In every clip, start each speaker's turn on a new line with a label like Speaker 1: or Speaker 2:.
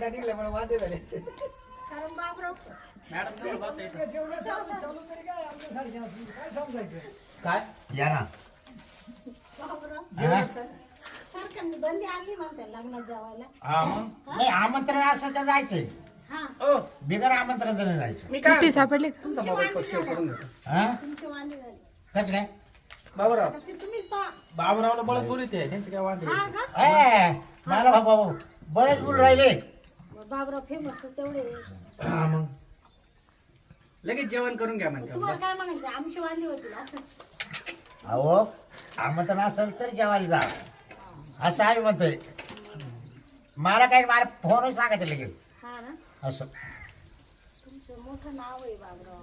Speaker 1: दांडा निघल्यामुळे वादे झाले.
Speaker 2: कारण बाबराव
Speaker 3: मॅडम बसायचं
Speaker 1: जेवढं चालू तरी काय आमच्यासारखे असतील. काय समजायचं
Speaker 3: काय
Speaker 4: या ना
Speaker 2: बाबराव सरकारने बंदी आणली म्हणते लग्नात जेवायला.
Speaker 3: हा मग
Speaker 4: नाही आमंत्रण असं तर जायचंय
Speaker 2: हा
Speaker 3: ओ
Speaker 4: बिगर आमंत्रण नाही जायचं.
Speaker 3: मी काय
Speaker 5: सापडले
Speaker 1: तुमचा मोबाईल पर शेअर करून घेतो.
Speaker 4: हा
Speaker 2: तुमची वांदी झाली.
Speaker 4: कसं काय
Speaker 1: बाबूराव
Speaker 2: आता ते तुम्हीच पहा.
Speaker 3: बाबूरावला बळच बोलत आहे त्यांचे काय वांदे
Speaker 2: हा का
Speaker 4: ए, मला बाबा बरेच बोल राहिले.
Speaker 2: बाबराव फेमस तेवढे.
Speaker 4: हा, मग
Speaker 1: लगेच जेवण करून घ्या म्हणते.
Speaker 2: तुम्हाला काय म्हणायचं आमची वांदी होती असं.
Speaker 4: अहो आमंत्रण असेल तर जेवायला जा असं आम्ही म्हणतोय. मला काही मला फोन सांगायचं लगेच
Speaker 2: हा ना
Speaker 4: असं.
Speaker 2: तुमचं मोठं नाव आहे बाबराव.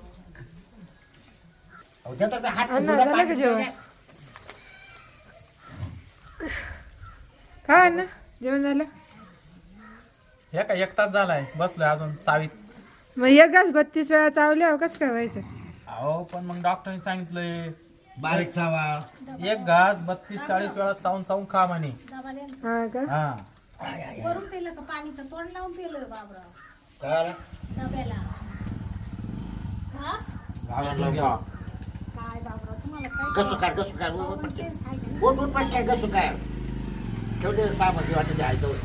Speaker 4: अहो, त्या तर मी हात
Speaker 5: अण्णा,
Speaker 4: सुद्धा
Speaker 5: झालं
Speaker 4: पाणी
Speaker 5: का जेवण?
Speaker 4: पिलं.
Speaker 5: काय ना जेवण झालं
Speaker 3: हे काय 1 तास झालाय बसलोय अजून चावीत.
Speaker 5: मग एक घास 32 वेळा चावल्यावर कसं काय व्हायचं?
Speaker 3: अहो पण मग डॉक्टरने सांगितलंय
Speaker 4: बारीक चावा.
Speaker 3: एक घास 32-40 वेळा चावून चावून खा म्हणे.
Speaker 2: डबा द्या ना.
Speaker 5: हा का
Speaker 3: हा
Speaker 2: वरून पिलं का पाणी तर तोंड लावून पिलं बाबराव
Speaker 4: कळलं?
Speaker 2: डब्याला. हा
Speaker 3: गावाला घ्या.
Speaker 2: काय बाबराव तुम्हाला काय
Speaker 4: कसं काय कसं काय
Speaker 2: common sense आहे का?
Speaker 4: उठ उठ पटकन कसं काय ठेवते सामध्ये वाटत जायचं उठ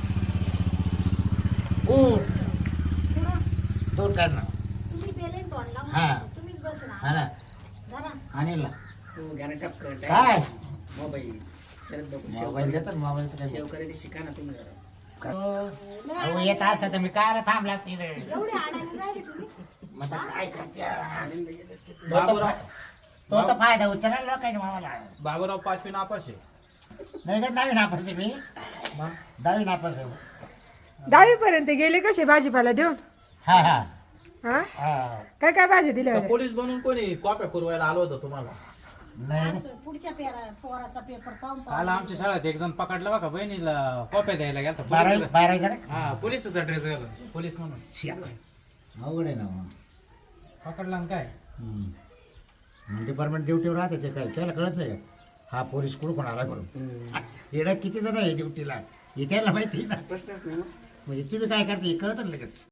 Speaker 2: पुढं
Speaker 4: दोन काढ ना.
Speaker 2: तुम्ही पेले ना तोंड
Speaker 4: हा.
Speaker 2: लावून तुम्हीच बसून
Speaker 4: हा
Speaker 2: आहात.
Speaker 4: ना
Speaker 2: धरा.
Speaker 4: आणेल ना
Speaker 1: तू घ्या ना टपकन.
Speaker 4: काय
Speaker 1: मोबाईल शरद बाबू
Speaker 4: मोबाईल देतो मोबाईल
Speaker 1: शेव करायचं शिका ना तुम्ही जरा.
Speaker 4: अहो येत असं तर मी काय थांब लागते रे.
Speaker 2: एवढे अडाणी राहिले तुम्ही.
Speaker 4: मग आता काय करते
Speaker 3: बाबूराव
Speaker 4: तो तर फायदा उचलला लोकांनी मला
Speaker 3: बाबूराव 5वी नापास आहे.
Speaker 4: नाही का 10वी नापास आहे मी
Speaker 3: मग
Speaker 4: 10वी नापास आहे.
Speaker 5: 10वी पर्यंत गेले कसे भाजीपाला देऊन?
Speaker 4: हा हा
Speaker 5: हा
Speaker 4: हा
Speaker 5: काय काय भाजी दिल्या
Speaker 3: तर
Speaker 5: होत्या?
Speaker 3: पोलीस बनून कोणी कॉप्या पुरवायला आलो होतं तुम्हाला.
Speaker 4: नाही
Speaker 2: आज पुढच्या पोराचा पेपर पाहून
Speaker 3: काल आमच्या शाळेत एक जण पकडला बघा बहिणीला कॉप्या द्यायला गेला
Speaker 4: बारावी जरा
Speaker 3: हा पोलिसचा ड्रेस घालून पोलीस म्हणून
Speaker 4: अवघड आहे ना मग.
Speaker 3: पकडला ना काय
Speaker 4: डिपार्टमेंट ड्युटीवर राहते ते काय त्याला कळत नाही का? हा पोलीस कुठं कोण आला म्हणून येणं किती जण आहे ड्युटीला हे त्याला माहिती ना.
Speaker 1: प्रश्नच नाही ना.
Speaker 4: म्हणजे तुम्ही काय करते हे कळत ना लगेच.